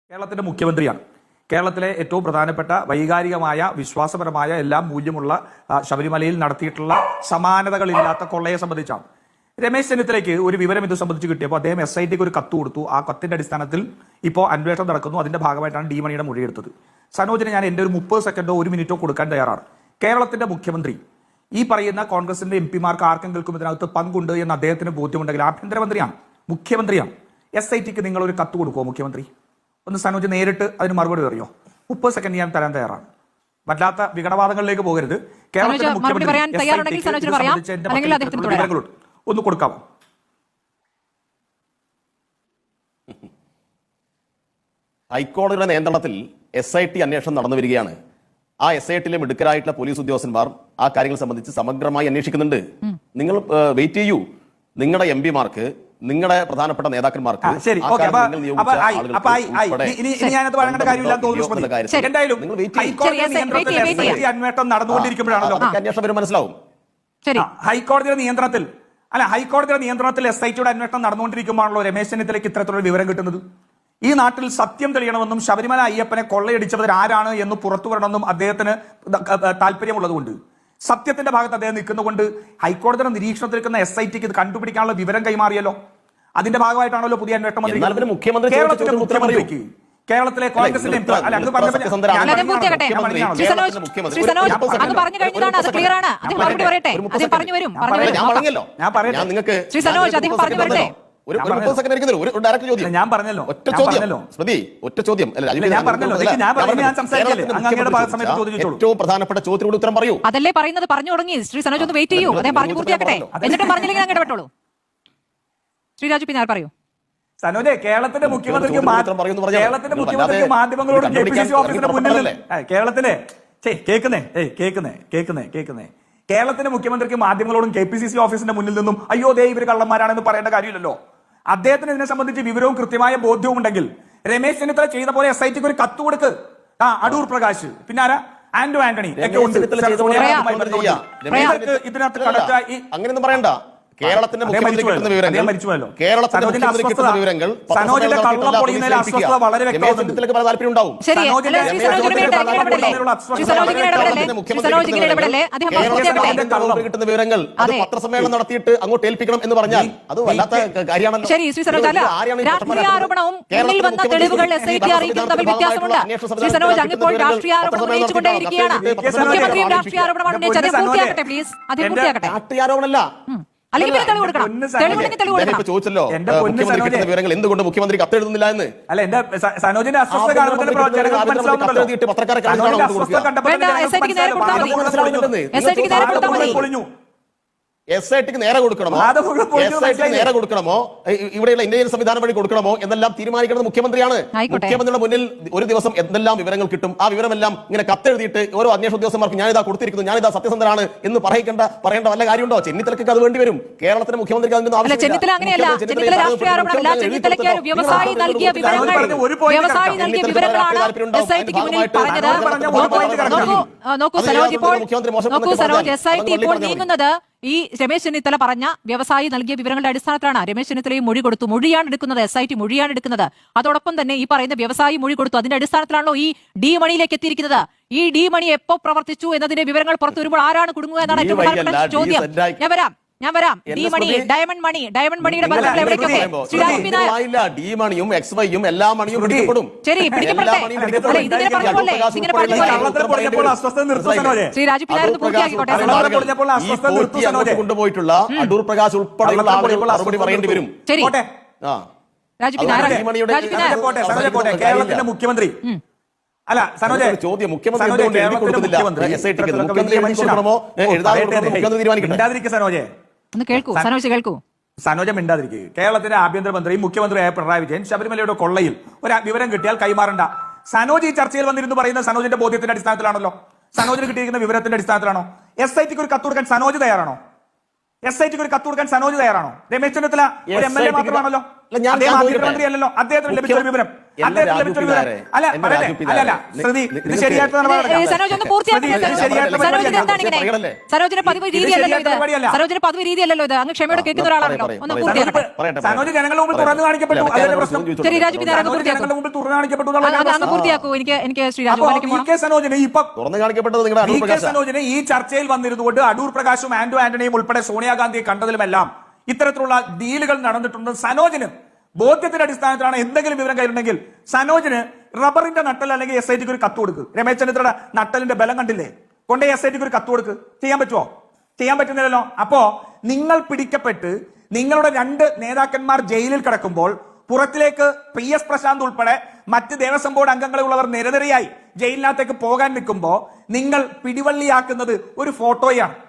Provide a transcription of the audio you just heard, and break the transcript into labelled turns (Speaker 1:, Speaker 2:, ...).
Speaker 1: കേരളത്തിന്റെ മുഖ്യമന്ത്രിയാണ്. കേരളത്തിലെ ഏറ്റവും പ്രധാനപ്പെട്ട വൈകാരികമായ വിശ്വാസപരമായ എല്ലാം മൂല്യമുള്ള ശബരിമലയിൽ നടത്തിയിട്ടുള്ള സമാനതകളില്ലാത്ത കൊള്ളയെ സംബന്ധിച്ചാണ്. രമേശ് ചെന്നിത്തലയ്ക്ക് ഒരു വിവരം ഇത് സംബന്ധിച്ച് കിട്ടിയപ്പോൾ അദ്ദേഹം SITക്ക് ഒരു കത്ത് കൊടുത്തു. ആ കത്തിന്റെ അടിസ്ഥാനത്തിൽ ഇപ്പോൾ അന്വേഷണം നടക്കുന്നു. അതിന്റെ ഭാഗമായിട്ടാണ് ഡി മണിയുടെ മൊഴിയെടുത്തത്. സനോജിന് ഞാൻ എൻ്റെ ഒരു 30 സെക്കൻഡോ 1 മിനിറ്റോ കൊടുക്കാൻ തയ്യാറാണ്. കേരളത്തിന്റെ മുഖ്യമന്ത്രി ഈ പറയുന്ന കോൺഗ്രസിന്റെ MP-മാർക്ക് ആർക്കെങ്കിലും ഇതിനകത്ത് പങ്കുണ്ട് എന്ന് അദ്ദേഹത്തിന് ബോധ്യമുണ്ടെങ്കിൽ ആഭ്യന്തരമന്ത്രിയാണ്, മുഖ്യമന്ത്രിയാണ്. SITക്ക് നിങ്ങൾ ഒരു കത്ത് കൊടുക്കുമോ മുഖ്യമന്ത്രി? ഒന്ന് സനോജ് നേരിട്ട് അതിന് മറുപടി അറിയോ? 30 സെക്കൻഡ് ഞാൻ തരാൻ തയ്യാറാണ്. വല്ലാത്ത വിഘടവാദങ്ങളിലേക്ക് പോകരുത്. കേരളത്തിലെ മുഖ്യമന്ത്രി ഒന്ന് കൊടുക്കാമോ?
Speaker 2: ഹൈക്കോടതിയുടെ നിയന്ത്രണത്തിൽ SIT അന്വേഷണം നടന്നു വരികയാണ്. ആ SITയിലെ മിടുക്കരായിട്ടുള്ള പോലീസ് ഉദ്യോഗസ്ഥന്മാർ ആ കാര്യങ്ങൾ സംബന്ധിച്ച് സമഗ്രമായി അന്വേഷിക്കുന്നുണ്ട്. നിങ്ങൾ വെയിറ്റ് ചെയ്യൂ. നിങ്ങളുടെ MP-മാർക്ക്, നിങ്ങളുടെ പ്രധാനപ്പെട്ട നേതാക്കന്മാർക്ക്
Speaker 1: അന്വേഷണം നടന്നുകൊണ്ടിരിക്കുമ്പോഴാണല്ലോ
Speaker 2: അന്വേഷണം വരും, മനസ്സിലാവും.
Speaker 1: ഹൈക്കോടതിയുടെ നിയന്ത്രണത്തിൽ SITയുടെ അന്വേഷണം നടന്നുകൊണ്ടിരിക്കുമ്പോഴാണല്ലോ രമേശ് ചെന്നിത്തലയ്ക്ക് ഇത്തരത്തിലുള്ള വിവരം കിട്ടുന്നത്. ഈ നാട്ടിൽ സത്യം തെളിയണമെന്നും ശബരിമല അയ്യപ്പനെ കൊള്ളയടിച്ചവർ ആരാണ് എന്ന് പുറത്തു വരണമെന്നും അദ്ദേഹത്തിന് താല്പര്യമുള്ളതുകൊണ്ട്, സത്യത്തിന്റെ ഭാഗത്ത് അദ്ദേഹം നിൽക്കുന്നതുകൊണ്ട് ഹൈക്കോടതിയുടെ നിരീക്ഷണത്തിൽ നിൽക്കുന്ന SITക്ക് ഇത് കണ്ടുപിടിക്കാനുള്ള വിവരം കൈമാറിയല്ലോ. അതിന്റെ ഭാഗമായിട്ടാണല്ലോ പുതിയ അന്വേഷണ മന്ത്രി കേരളത്തിലെ കോൺഗ്രസിന്റെ ഞാൻ പറഞ്ഞല്ലോ
Speaker 2: ഏറ്റവും പ്രധാനപ്പെട്ട ചോദ്യത്തിനോട് ഉത്തരം പറയൂ.
Speaker 3: അതല്ലേ പറയുന്നത്, പറഞ്ഞു തുടങ്ങി. ശ്രീ സനോജ് ഒന്ന് വെയിറ്റ് ചെയ്യൂ, അദ്ദേഹം പറഞ്ഞു പൂർത്തിയാക്കട്ടെ. എന്നിട്ടും പറഞ്ഞില്ലെങ്കിൽ അങ്ങനെ ഇടപെട്ടോളൂ. ശ്രീ രാജു പിന്നാർ പറയൂ.
Speaker 1: സനോജെ, കേരളത്തിന്റെ മുഖ്യമന്ത്രിക്ക് മാധ്യമങ്ങളോടും KPCC ഓഫീസിന്റെ മുന്നിൽ കേരളത്തിന്റെ കേരളത്തിന്റെ മുഖ്യമന്ത്രിക്ക് മാധ്യമങ്ങളോടും KPCC ഓഫീസിന്റെ മുന്നിൽ നിന്നും അയ്യോ ദേ ഇവര് കള്ളന്മാരാണെന്ന് പറയേണ്ട കാര്യമില്ലല്ലോ. അദ്ദേഹത്തിന് ഇതിനെ സംബന്ധിച്ച് വിവരവും കൃത്യമായ ബോധ്യവും ഉണ്ടെങ്കിൽ രമേശ് ചെന്നിത്തല ചെയ്ത പോലെ SITക്ക് ഒരു കത്ത് കൊടുക്ക്. അടൂർ പ്രകാശ്, പിന്നാര ആന്റോ ആന്റണി ഒക്കെ ഉണ്ട്. ഇതിനകത്ത്
Speaker 2: അങ്ങനെയൊന്നും പറയണ്ട. കേരളത്തിന്റെ മുഖ്യമന്ത്രി കിട്ടുന്ന വിവരങ്ങൾ
Speaker 1: വളരെ
Speaker 2: താല്പര്യം ഉണ്ടാവും. കിട്ടുന്ന വിവരങ്ങൾ അത് പത്രസമ്മേളനം നടത്തിയിട്ട് അങ്ങോട്ട് ഏൽപ്പിക്കണം എന്ന് പറഞ്ഞാൽ അത് വല്ലാത്ത കാര്യമാണല്ലോ. രാഷ്ട്രീയാരോപണമല്ല. ചോദിച്ചല്ലോ വിവരങ്ങൾ എന്തുകൊണ്ട് മുഖ്യമന്ത്രി കത്തെഴുതുന്നില്ല എന്ന്.
Speaker 1: അല്ല, എന്റെ സനോജിന്റെ അസ്വസ്ഥ
Speaker 2: SITക്ക് നേരെ കൊടുക്കണമോ, നേരെ കൊടുക്കണമോ, ഇവിടെയുള്ള ഇന്ത്യൻ സംവിധാനം വഴി കൊടുക്കണമോ എന്നെല്ലാം തീരുമാനിക്കുന്നത് മുഖ്യമന്ത്രിയാണ്. മുഖ്യമന്ത്രിയുടെ മുന്നിൽ ഒരു ദിവസം എന്തെല്ലാം വിവരങ്ങൾ കിട്ടും, ആ വിവരമെല്ലാം ഇങ്ങനെ കത്തെഴുതിയിട്ട് ഓരോ അന്വേഷണ ഉദ്യോഗസ്ഥന്മാർക്ക് ഞാനിതാ കൊടുത്തിരിക്കുന്നു, ഞാനിതാ സത്യസന്ധനാണ് എന്ന് പറയേണ്ട വല്ല കാര്യമുണ്ടോ? ചെന്നിത്തലയ്ക്ക് അത് വേണ്ടി വരും. കേരളത്തിലെ മുഖ്യമന്ത്രിക്ക് അതിന്റെ
Speaker 3: ഈ രമേശ് ചെന്നിത്തല പറഞ്ഞ വ്യവസായി നൽകിയ വിവരങ്ങളുടെ അടിസ്ഥാനത്തിലാണ് രമേശ് ചെന്നിത്തലയും മൊഴി കൊടുത്തു. മൊഴിയാണ് എടുക്കുന്നത്, SIT മൊഴിയാണ് എടുക്കുന്നത്. അതോടൊപ്പം തന്നെ ഈ പറയുന്ന വ്യവസായി മൊഴി കൊടുത്തു. അതിന്റെ അടിസ്ഥാനത്തിലാണല്ലോ ഈ ഡി മണിയിലേക്ക് എത്തിയിരിക്കുന്നത്. ഈ ഡി മണി എപ്പോ പ്രവർത്തിച്ചു എന്നതിന്റെ വിവരങ്ങൾ പുറത്തു വരുമ്പോൾ ആരാണ് കുടുങ്ങുക എന്നാണ് ഏറ്റവും പ്രധാനപ്പെട്ട ചോദ്യം. ഞാൻ വരാം. ഡി മണി, ഡയമണ്ട് മണിയുടെ ബന്ധങ്ങൾ എവിടേക്കൊക്കെ?
Speaker 2: ഡി മണിയും XYയും എല്ലാ മണിയും പിടിക്കപ്പെടും.
Speaker 3: ശരി, പിടിക്കപ്പെടട്ടെ. ശ്രീ രാജു പിന്നാർ
Speaker 2: കൊണ്ടുപോയിട്ടുള്ള അടൂർ പ്രകാശ് ഉൾപ്പെടെയുള്ള മറുപടി പറയേണ്ടി വരും.
Speaker 3: ശരി, രാജു പിന്നാർ
Speaker 1: കേരളത്തിന്റെ മുഖ്യമന്ത്രി അല്ല സനോജ്
Speaker 2: ചോദ്യം മുഖ്യമന്ത്രി
Speaker 1: സനോജെ
Speaker 3: ഒന്ന് കേൾക്കൂ.
Speaker 1: സനോജ മിണ്ടാതിരിക്കുക. കേരളത്തിന്റെ ആഭ്യന്തരമന്ത്രി മുഖ്യമന്ത്രിയായ പിണറായി വിജയൻ ശബരിമലയുടെ കൊള്ളയിൽ ഒരു വിവരം കിട്ടിയാൽ കൈമാറണ്ട. സനോജ് ഈ ചർച്ചയിൽ വന്നിരുന്നു പറയുന്നത് സനോജിന്റെ ബോധ്യത്തിന്റെ അടിസ്ഥാനത്തിലാണല്ലോ, സനോജിന് കിട്ടിയിരിക്കുന്ന വിവരത്തിന്റെ അടിസ്ഥാനത്തിലാണോ? SITക്ക് ഒരു കത്ത് കൊടുക്കാൻ സനോജ് തയ്യാറാണോ? SITക്ക് ഒരു കത്ത് കൊടുക്കാൻ സനോജ് തയ്യാറാണോ? രമേശ് ചെന്നിത്തല ഒരു MLA മാത്രമാണല്ലോ.
Speaker 2: ഞാൻ
Speaker 1: അദ്ദേഹം ആഭ്യന്തരമന്ത്രിയല്ലല്ലോ. അദ്ദേഹത്തിന് ലഭിച്ച ഒരു വിവരം
Speaker 3: സരോജിന്റെ പതിവ് രീതിയല്ലല്ലോ ഇത്. അങ്ങ് ക്ഷമയോടെ കേൾക്കുന്ന ഒരാളാണല്ലോ. ഒന്ന്
Speaker 1: സനോജ് ജനങ്ങളുടെ മുമ്പിൽ തുറന്നു കാണിക്കപ്പെട്ടു.
Speaker 3: ശരി രാജു, പിന്നെ അങ്ങ് പൂർത്തിയാക്കൂ. എനിക്ക് ശ്രീരാജ്
Speaker 1: സനോജിനെ ഇപ്പൊ
Speaker 2: തുറന്നു കാണിക്കപ്പെട്ടത് നിങ്ങളുടെ
Speaker 1: സനോജിനെ ഈ ചർച്ചയിൽ വന്നിരുന്നുകൊണ്ട് അടൂർ പ്രകാശും ആന്റോ ആന്റണിയും ഉൾപ്പെടെ സോണിയാഗാന്ധിയെ കണ്ടതിലുമെല്ലാം ഇത്തരത്തിലുള്ള ഡീലുകൾ നടന്നിട്ടുണ്ട്. സനോജിന് ബോധ്യത്തിന്റെ അടിസ്ഥാനത്തിലാണ് എന്തെങ്കിലും വിവരം കയ്യിലുണ്ടെങ്കിൽ സനോജിന് റബ്ബറിന്റെ നട്ടൽ അല്ലെങ്കിൽ എസ് ഐ ടിക്ക് ഒരു കത്ത് കൊടുക്ക്. രമേശ് ചെന്നിത്തലയുടെ നട്ടലിന്റെ ബലം കണ്ടില്ലേ? കൊണ്ടേ എസ് ഐ ടിക്ക് ഒരു കത്ത് കൊടുക്ക്. ചെയ്യാൻ പറ്റുമോ? ചെയ്യാൻ പറ്റുന്നില്ലല്ലോ. അപ്പോ നിങ്ങൾ പിടിക്കപ്പെട്ട് നിങ്ങളുടെ 2 നേതാക്കന്മാർ ജയിലിൽ കിടക്കുമ്പോൾ പുറത്തിലേക്ക് PS പ്രശാന്ത് ഉൾപ്പെടെ മറ്റ് ദേവസ്വം ബോർഡ് അംഗങ്ങളുള്ളവർ നിരനിരയായി ജയിലിനകത്തേക്ക് പോകാൻ നിൽക്കുമ്പോൾ നിങ്ങൾ പിടിവള്ളിയാക്കുന്നത് ഒരു ഫോട്ടോയാണ്.